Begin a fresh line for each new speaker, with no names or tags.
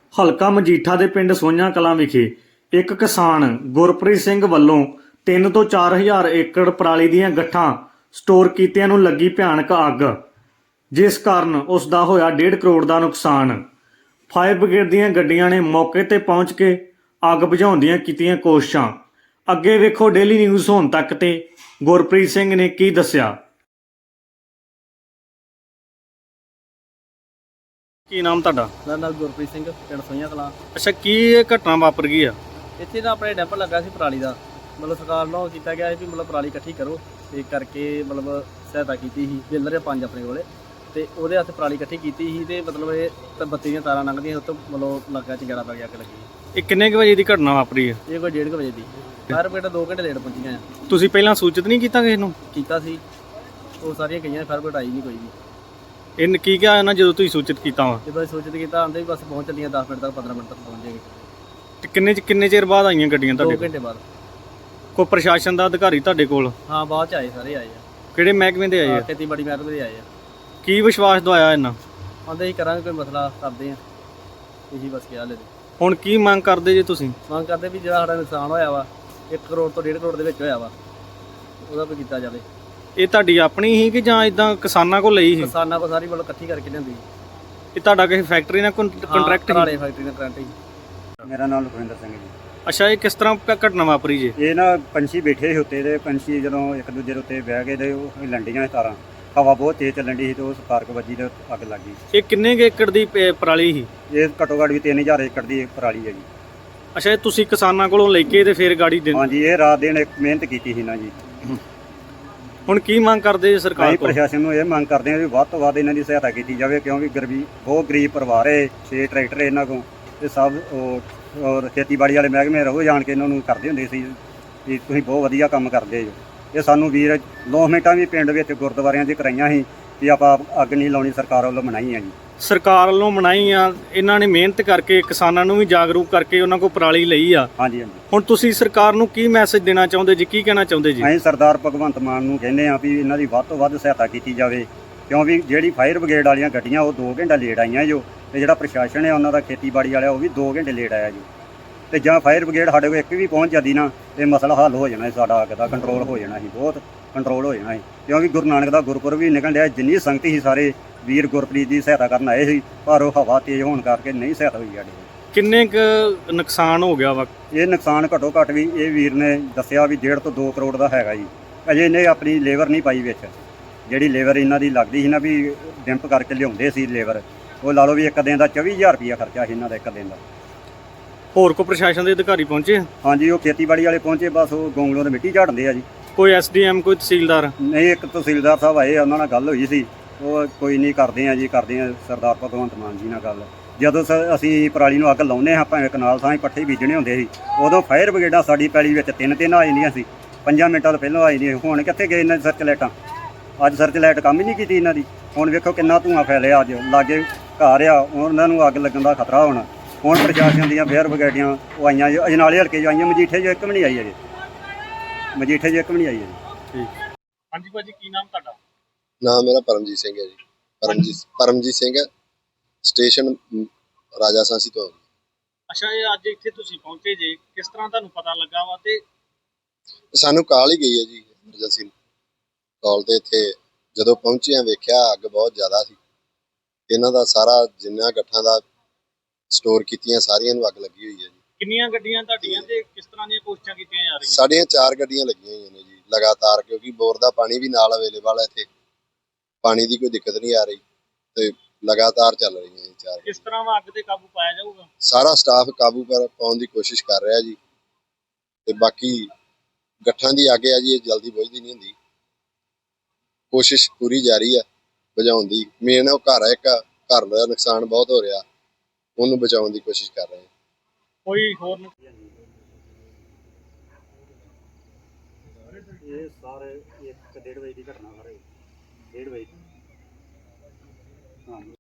ਹਲਕਾ ਮਜੀਠਾ ਦੇ ਪਿੰਡ ਸੋਈਆਂ ਕਲਾਂ ਵਿਖੇ ਇੱਕ ਕਿਸਾਨ ਗੁਰਪ੍ਰੀਤ ਸਿੰਘ ਵੱਲੋਂ 3 ਤੋਂ 4,000 ਏਕੜ ਪਰਾਲੀ ਦੀਆਂ ਗੱਠਾਂ ਸਟੋਰ ਕੀਤਿਆਂ ਨੂੰ ਲੱਗੀ ਭਿਆਨਕ ਅੱਗ, ਜਿਸ ਕਾਰਨ ਉਸ ਦਾ ਹੋਇਆ 1.5 ਕਰੋੜ ਦਾ ਨੁਕਸਾਨ। ਫਾਇਰ ਬ੍ਰਿਗੇਡ ਦੀਆਂ ਗੱਡੀਆਂ ਨੇ ਮੌਕੇ ਤੇ ਪਹੁੰਚ ਕੇ ਅੱਗ ਬੁਝਾਉਣ ਦੀਆਂ ਕੀਤੀਆਂ ਕੋਸ਼ਿਸ਼ਾਂ। ਅੱਗੇ ਵੇਖੋ ਡੇਲੀ ਨਿਊਜ਼ ਹੋਣ ਤੱਕ ਤੇ ਗੁਰਪ੍ਰੀਤ ਸਿੰਘ ਨੇ ਕੀ ਦੱਸਿਆ। ਕੀ ਨਾਮ ਤੁਹਾਡਾ?
ਮੇਰਾ ਨਾਮ ਗੁਰਪ੍ਰੀਤ ਸਿੰਘ, ਪਿੰਡ ਸੋਈਆਂ ਕਲਾਂ।
ਅੱਛਾ, ਕੀ ਇਹ ਘਟਨਾ ਵਾਪਰ ਗਈ ਆ?
ਇੱਥੇ ਤਾਂ ਆਪਣੇ ਡੈਂਪ ਲੱਗਾ ਸੀ ਪਰਾਲੀ ਦਾ, ਮਤਲਬ ਸਰਕਾਰ ਨੂੰ ਕੀਤਾ ਗਿਆ ਸੀ ਵੀ ਮਤਲਬ ਪਰਾਲੀ ਇਕੱਠੀ ਕਰੋ, ਤੇ ਕਰਕੇ ਮਤਲਬ ਸਹਾਇਤਾ ਕੀਤੀ ਸੀ। ਬਿੱਲਰ 5 ਆਪਣੇ ਕੋਲੇ, ਤੇ ਉਹਦੇ ਹੱਥ ਪਰਾਲੀ ਇਕੱਠੀ ਕੀਤੀ ਸੀ, ਤੇ ਮਤਲਬ ਇਹ ਤਾਂ ਬੱਤੀ ਦੀਆਂ ਤਾਰਾਂ ਲੰਘਦੀਆਂ ਉੱਤੋਂ ਮਤਲਬ ਲੱਗਾ ਚੰਗੜਾ ਪੈ ਗਿਆ, ਅੱਗ ਲੱਗੀ।
ਇਹ ਕਿੰਨੇ ਕੁ ਵਜੇ ਦੀ ਘਟਨਾ ਵਾਪਰੀ ਹੈ?
ਇਹ ਕੋਈ 1:30 ਵਜੇ ਦੀ। ਫਾਇਰ ਬ੍ਰਿਗੇਡ 2 ਘੰਟੇ ਲੇਟ ਪਹੁੰਚੀਆਂ ਆ।
ਤੁਸੀਂ ਪਹਿਲਾਂ ਸੂਚਿਤ ਨਹੀਂ ਕੀਤਾ ਕਿਸੇ ਨੂੰ?
ਕੀਤਾ ਸੀ, ਉਹ ਸਾਰੀਆਂ ਗਈਆਂ, ਫਾਇਰ ਬ੍ਰਿਗੇਡ ਆਈ ਨਹੀਂ ਕੋਈ ਵੀ।
ਇਹਨ ਕੀ ਕਿਹਾ ਇਹਨਾਂ ਜਦੋਂ ਤੁਸੀਂ ਸੂਚਿਤ ਕੀਤਾ ਵਾ?
ਜਦੋਂ ਸੂਚਿਤ ਕੀਤਾ ਆਂਦੇ ਵੀ ਬਸ ਪਹੁੰਚ ਚੱਲੀਆਂ 10 ਮਿੰਟ ਤੱਕ, 15 ਮਿੰਟ ਤੱਕ ਪਹੁੰਚ ਜਾਏਗੀ।
ਤੇ ਕਿੰਨੇ ਚਿਰ ਬਾਅਦ ਆਈਆਂ ਗੱਡੀਆਂ
2
ਤੁਹਾਡੇ
ਘੰਟੇ ਬਾਅਦ।
ਕੋਈ ਪ੍ਰਸ਼ਾਸਨ ਦਾ ਅਧਿਕਾਰੀ ਤੁਹਾਡੇ ਕੋਲ?
ਹਾਂ, ਬਾਅਦ ਚ ਆਏ, ਸਾਰੇ ਆਏ ਆ।
ਕਿਹੜੇ ਮਹਿਕਮੇ ਦੇ ਆਏ ਆ?
ਖੇਤੀਬਾੜੀ ਮਹਿਕਮੇ ਦੇ ਆਏ ਆ।
ਕੀ ਵਿਸ਼ਵਾਸ ਦਵਾਇਆ ਇਹਨਾਂ?
ਆਂਦੇ ਹੀ ਕਰਾਂਗੇ, ਕੋਈ ਮਸਲਾ ਕਰਦੇ ਆ, ਇਹੀ ਬਸ ਕਿਹਾ ਲੈ।
ਹੁਣ ਕੀ ਮੰਗ ਕਰਦੇ ਜੇ ਤੁਸੀਂ?
ਮੰਗ ਕਰਦੇ ਵੀ ਜਿਹੜਾ ਸਾਡਾ ਨੁਕਸਾਨ ਹੋਇਆ ਵਾ 1 ਕਰੋੜ ਤੋਂ 1.5 ਕਰੋੜ ਦੇ ਵਿੱਚ ਹੋਇਆ ਵਾ, ਉਹਦਾ ਕੋਈ ਕੀਤਾ ਜਾਵੇ।
ਇਹ ਤੁਹਾਡੀ ਆਪਣੀ ਹੀ ਕਿ ਜਾਂ ਇਦਾਂ ਕਿਸਾਨਾਂ ਕੋਲ ਲਈ ਸੀ?
ਕਿਸਾਨਾਂ ਕੋਲ ਸਾਰੀ ਮਤਲਬ ਇਕੱਠੀ ਕਰਕੇ ਲਿਆਂਦੀ।
ਇਹ ਤੁਹਾਡਾ ਕਿਸੇ ਫੈਕਟਰੀ ਨਾਲ ਕੰਟਰੈਕਟ
ਵਾਲੇ ਫੈਕਟਰੀ ਨਾਲ ਕਰੰਟ ਹੀ।
ਮੇਰਾ ਨਾਮ ਲਖਵਿੰਦਰ ਸਿੰਘ ਜੀ।
ਅੱਛਾ, ਇਹ ਕਿਸ ਤਰ੍ਹਾਂ ਘਟਨਾ ਵਾਪਰੀ ਜੇ?
ਇਹ ਨਾ ਪੰਛੀ ਬੈਠੇ ਸੀ ਉੱਤੇ, ਤੇ ਪੰਛੀ ਜਦੋਂ ਇੱਕ ਦੂਜੇ ਦੇ ਉੱਤੇ ਬਹਿ ਗਏ ਤੇ ਉਹ ਲੰਡੀਆਂ ਤਾਰਾਂ, ਹਵਾ ਬਹੁਤ ਤੇਜ਼ ਚੱਲਣ ਦੀ ਸੀ, ਤੇ ਉਹ ਸਪਾਰਕ ਵੱਜੀ ਤੇ ਅੱਗ ਲੱਗ ਗਈ।
ਇਹ ਕਿੰਨੇ ਕੁ ਏਕੜ ਦੀ ਪਰਾਲੀ ਸੀ?
ਇਹ ਘੱਟੋ ਘੱਟ ਵੀ 3000 ਏਕੜ ਦੀ ਪਰਾਲੀ ਹੈ ਜੀ।
ਅੱਛਾ, ਇਹ ਤੁਸੀਂ ਕਿਸਾਨਾਂ ਕੋਲੋਂ ਲੈ ਕੇ ਤੇ ਫਿਰ ਗਾੜੀ ਦੇ?
ਹਾਂਜੀ, ਇਹ ਰਾਤ ਦਿਨ ਇੱਕ ਮਿਹਨਤ ਕੀਤੀ ਸੀ ਨਾ ਜੀ।
ਹੁਣ ਕੀ ਮੰਗ ਕਰਦੇ ਜੀ ਸਰਕਾਰ
ਅਸੀਂ
ਕੋਲ?
ਪ੍ਰਸ਼ਾਸਨ ਨੂੰ ਇਹ ਮੰਗ ਕਰਦੇ ਹਾਂ ਵੀ ਵੱਧ ਤੋਂ ਵੱਧ ਇਹਨਾਂ ਦੀ ਸਹਾਇਤਾ ਕੀਤੀ ਜਾਵੇ, ਕਿਉਂਕਿ ਬਹੁਤ ਗਰੀਬ ਪਰਿਵਾਰ ਹੈ। 6 ਟਰੈਕਟਰ ਇਹਨਾਂ ਕੋਲ, ਤੇ ਸਭ ਔਰ ਖੇਤੀਬਾੜੀ ਵਾਲੇ ਮਹਿਕਮੇ ਰਹੋ ਜਾਣ ਕੇ ਇਹਨਾਂ ਨੂੰ ਕਰਦੇ ਹੁੰਦੇ ਸੀ ਵੀ ਤੁਸੀਂ ਬਹੁਤ ਵਧੀਆ ਕੰਮ ਕਰਦੇ ਜੋ। ਇਹ ਸਾਨੂੰ ਵੀਰ ਲੋਸਮੈਂਟਾਂ ਵੀ ਪਿੰਡ ਵਿੱਚ ਗੁਰਦੁਆਰਿਆਂ 'ਚ ਕਰਾਈਆਂ ਸੀ ਵੀ ਆਪਾਂ ਅੱਗ ਨਹੀਂ ਲਾਉਣੀ, ਸਰਕਾਰ ਵੱਲੋਂ ਮਨਾਈ ਆ ਜੀ।
ਸਰਕਾਰ ਵੱਲੋਂ ਮਨਾਈ ਆ, ਇਹਨਾਂ ਨੇ ਮਿਹਨਤ ਕਰਕੇ ਕਿਸਾਨਾਂ ਨੂੰ ਵੀ ਜਾਗਰੂਕ ਕਰਕੇ ਉਹਨਾਂ ਕੋਲ ਪਰਾਲੀ ਲਈ ਆ।
ਹਾਂਜੀ ਹਾਂਜੀ।
ਹੁਣ ਤੁਸੀਂ ਸਰਕਾਰ ਨੂੰ ਕੀ ਮੈਸੇਜ ਦੇਣਾ ਚਾਹੁੰਦੇ ਜੀ? ਕੀ ਕਹਿਣਾ ਚਾਹੁੰਦੇ ਜੀ?
ਅਸੀਂ ਸਰਦਾਰ ਭਗਵੰਤ ਮਾਨ ਨੂੰ ਕਹਿੰਦੇ ਆ ਵੀ ਇਹਨਾਂ ਦੀ ਵੱਧ ਤੋਂ ਵੱਧ ਸਹਾਇਤਾ ਕੀਤੀ ਜਾਵੇ, ਕਿਉਂਕਿ ਜਿਹੜੀ ਫਾਇਰ ਬ੍ਰਿਗੇਡ ਵਾਲੀਆਂ ਗੱਡੀਆਂ ਉਹ 2 ਘੰਟੇ ਲੇਟ ਆਈਆਂ ਜੋ, ਤੇ ਜਿਹੜਾ ਪ੍ਰਸ਼ਾਸਨ ਹੈ ਉਹਨਾਂ ਦਾ ਖੇਤੀਬਾੜੀ ਵਾਲਾ ਉਹ ਵੀ 2 ਘੰਟੇ ਲੇਟ ਆਇਆ ਜੀ। ਤੇ ਜਾਂ ਫਾਇਰ ਬ੍ਰਿਗੇਡ ਸਾਡੇ ਕੋਲ ਇੱਕ ਵੀ ਪਹੁੰਚ ਜਾਂਦੀ ਨਾ, ਤੇ ਮਸਲਾ ਹੱਲ ਹੋ ਜਾਣਾ ਸੀ, ਸਾਡਾ ਅੱਗ ਦਾ ਕੰਟਰੋਲ ਹੋ ਜਾਣਾ ਸੀ, ਬਹੁਤ ਕੰਟਰੋਲ ਹੋ ਜਾਣਾ ਸੀ। ਕਿਉਂਕਿ ਗੁਰੂ ਨਾਨਕ ਦਾ ਗੁਰਪੁਰਬ ਵੀ ਨਿਕਲ ਰਿਹਾ, ਜਿੰਨੀ ਸੰਗਤ ਸੀ ਸਾਰੇ ਵੀਰ ਗੁਰਪ੍ਰੀਤ ਦੀ ਸਹਾਇਤਾ ਕਰਨ ਆਏ ਸੀ, ਪਰ ਉਹ ਹਵਾ ਤੇਜ਼ ਹੋਣ ਕਰਕੇ ਨਹੀਂ ਸਹਾਇਤਾ ਹੋਈ ਸਾਡੇ।
ਕਿੰਨੇ ਕੁ ਨੁਕਸਾਨ ਹੋ ਗਿਆ ਵਾ?
ਇਹ ਨੁਕਸਾਨ ਘੱਟੋ ਘੱਟ ਵੀ ਇਹ ਵੀਰ ਨੇ ਦੱਸਿਆ ਵੀ 1.5 ਤੋਂ 2 ਕਰੋੜ ਦਾ ਹੈਗਾ ਜੀ। ਅਜੇ ਇਹਨੇ ਆਪਣੀ ਲੇਬਰ ਨਹੀਂ ਪਾਈ ਵਿੱਚ, ਜਿਹੜੀ ਲੇਬਰ ਇਹਨਾਂ ਦੀ ਲੱਗਦੀ ਸੀ ਨਾ ਵੀ ਡਿੰਪ ਕਰਕੇ ਲਿਆਉਂਦੇ ਸੀ ਲੇਬਰ, ਉਹ ਲਾ ਲਓ ਵੀ ਇੱਕ ਦਿਨ ਦਾ 24,000 ਰੁਪਇਆ ਖਰਚਾ ਸੀ ਇਹਨਾਂ ਦਾ ਇੱਕ ਦਿਨ ਦਾ।
ਹੋਰ ਕੋਈ ਪ੍ਰਸ਼ਾਸਨ ਦੇ ਅਧਿਕਾਰੀ ਪਹੁੰਚੇ?
ਹਾਂਜੀ, ਉਹ ਖੇਤੀਬਾੜੀ ਵਾਲੇ ਪਹੁੰਚੇ, ਬਸ ਉਹ ਗੋਂਗਲੋਂ ਦੇ ਮਿੱਟੀ ਝਾੜਦੇ ਆ ਜੀ।
ਕੋਈ ਐਸਡੀਐਮ, ਕੋਈ ਤਹਿਸੀਲਦਾਰ?
ਨਹੀਂ, ਇੱਕ ਤਹਿਸੀਲਦਾਰ ਸਾਹਿਬ ਆਏ, ਉਹਨਾਂ ਨਾਲ ਗੱਲ ਹੋਈ ਸੀ, ਉਹ ਕੋਈ ਨਹੀਂ ਕਰਦੇ ਆ ਜੀ, ਕਰਦੇ ਆ ਸਰਦਾਰ ਭਗਵੰਤ ਮਾਨ ਜੀ ਨਾਲ ਗੱਲ। ਜਦੋਂ ਅਸੀਂ ਪਰਾਲੀ ਨੂੰ ਅੱਗ ਲਾਉਂਦੇ ਹਾਂ, ਭਾਵੇਂ ਕਨਾਲ ਥਾਂ ਪੱਠੇ ਬੀਜਣੇ ਹੁੰਦੇ ਸੀ, ਉਦੋਂ ਫਾਇਰ ਬ੍ਰਿਗੇਡਾਂ ਸਾਡੀ ਪੈਲੀ ਵਿੱਚ 3-3 ਆ ਜਾਂਦੀਆਂ ਸੀ, 5 ਮਿੰਟਾਂ ਤੋਂ ਪਹਿਲਾਂ ਆ ਜਾਂਦੀਆਂ। ਹੁਣ ਕਿੱਥੇ ਗਏ ਇਹਨਾਂ ਦੀ ਸਰਚ ਲਾਈਟਾਂ? ਅੱਜ ਸਰਚ ਲਾਈਟ ਕੰਮ ਹੀ ਨਹੀਂ ਕੀਤੀ ਇਹਨਾਂ ਦੀ। ਹੁਣ ਵੇਖੋ ਕਿੰਨਾ ਧੂੰਆਂ ਫੈਲਿਆ, ਅੱਜ ਲਾਗੇ ਘਰ ਆ, ਉਹਨਾਂ ਨੂੰ ਅੱਗ ਲੱਗਣ ਦਾ ਖਤਰਾ ਹੋਣਾ। ਹੁਣ ਪ੍ਰਸ਼ਾਸਨ ਦੀਆਂ ਫਾਇਰ ਬ੍ਰਿਗੇਡੀਆਂ ਉਹ ਆਈਆਂ, ਅਜਨਾਲੇ ਹਲਕੇ 'ਚ ਆਈਆਂ, ਮਜੀਠੇ 'ਚ ਇੱਕ ਵੀ ਨਹੀਂ ਆਈ ਅਜੇ, ਮਜੀਠੇ 'ਚ ਇੱਕ ਵੀ ਨਹੀਂ ਆਈ ਅਜੇ।
ਠੀਕ। ਹਾਂਜੀ ਭਾਜੀ, ਕੀ ਨਾਮ ਤੁਹਾਡਾ?
ਨਾਮ ਮੇਰਾ ਪਰਮਜੀਤ ਸਿੰਘ ਹੈ ਜੀ। ਪਰਮਜੀਤ ਸਿੰਘ ਹੈ, ਸਟੇਸ਼ਨ ਰਾਜਾ ਸਾਂਸੀ ਤੋਂ।
ਅੱਛਾ, ਇਹ ਅੱਜ ਇੱਥੇ ਤੁਸੀਂ ਪਹੁੰਚੇ ਜੇ, ਕਿਸ ਤਰ੍ਹਾਂ ਤੁਹਾਨੂੰ ਪਤਾ ਲੱਗਾ ਵਾ? ਤੇ
ਸਾਨੂੰ ਕਾਲ ਹੀ ਗਈ ਹੈ ਜੀ, ਐਮਰਜੈਂਸੀ ਕਾਲ ਤੇ। ਇੱਥੇ ਜਦੋਂ ਪਹੁੰਚੇ ਆ ਵੇਖਿਆ ਅੱਗ ਬਹੁਤ ਜ਼ਿਆਦਾ ਸੀ। ਇਹਨਾਂ ਦਾ ਸਾਰਾ ਜਿੰਨਾ ਗੱਠਾਂ ਦਾ ਸਟੋਰ ਕੀਤੀਆਂ ਸਾਰੀਆਂ ਨੂੰ ਅੱਗ ਲੱਗੀ ਹੋਈ ਹੈ ਜੀ।
ਕਿੰਨੀਆਂ ਗੱਡੀਆਂ ਤੁਹਾਡੀਆਂ ਤੇ ਕਿਸ ਤਰ੍ਹਾਂ ਦੀਆਂ ਕੋਸ਼ਿਸ਼ਾਂ ਕੀਤੀਆਂ ਜਾ ਰਹੀਆਂ?
ਸਾਡੀਆਂ 4 ਗੱਡੀਆਂ ਲੱਗੀਆਂ ਹੋਈਆਂ ਨੇ ਜੀ ਲਗਾਤਾਰ, ਕਿਉਂਕਿ ਬੋਰ ਦਾ ਪਾਣੀ ਵੀ ਨਾਲ ਅਵੇਲੇਬਲ ਹੈ ਇੱਥੇ, ਪਾਣੀ ਦੀ ਕੋਈ ਦਿੱਕਤ ਨਹੀਂ ਆ ਰਹੀ, ਤੇ ਲਗਾਤਾਰ ਚੱਲ ਰਹੀਆਂ ਜੀ 4।
ਕਿਸ ਤਰ੍ਹਾਂ ਅੱਗ ਤੇ ਕਾਬੂ ਪਾਇਆ ਜਾਊਗਾ?
ਸਾਰਾ ਸਟਾਫ ਕਾਬੂ ਪਾਉਣ ਦੀ ਕੋਸ਼ਿਸ਼ ਕਰ ਰਿਹਾ ਜੀ, ਤੇ ਬਾਕੀ ਗੱਠਾਂ ਦੀ ਅੱਗ ਹੈ ਜੀ, ਇਹ ਜਲਦੀ ਬੁਝਦੀ ਨਹੀਂ ਹੁੰਦੀ, ਕੋਸ਼ਿਸ਼ ਪੂਰੀ ਜਾਰੀ ਹੈ ਬੁਝਾਉਣ ਦੀ। ਮੇਨ ਉਹ ਘਰ ਹੈ, ਇੱਕ ਘਰ ਦਾ ਨੁਕਸਾਨ ਬਹੁਤ ਹੋ ਰਿਹਾ, ਉਹਨੂੰ ਬਚਾਉਣ ਦੀ ਕੋਸ਼ਿਸ਼ ਕਰ ਰਹੇ ਹਾਂ।
ਕੋਈ ਹੋਰ
ਇਹ ਸਾਰੇ 1-1.5 ਵਜੇ ਦੀ ਘਟਨਾ, ਸਾਰੇ 1:30 ਵਜੇ। ਹਾਂ।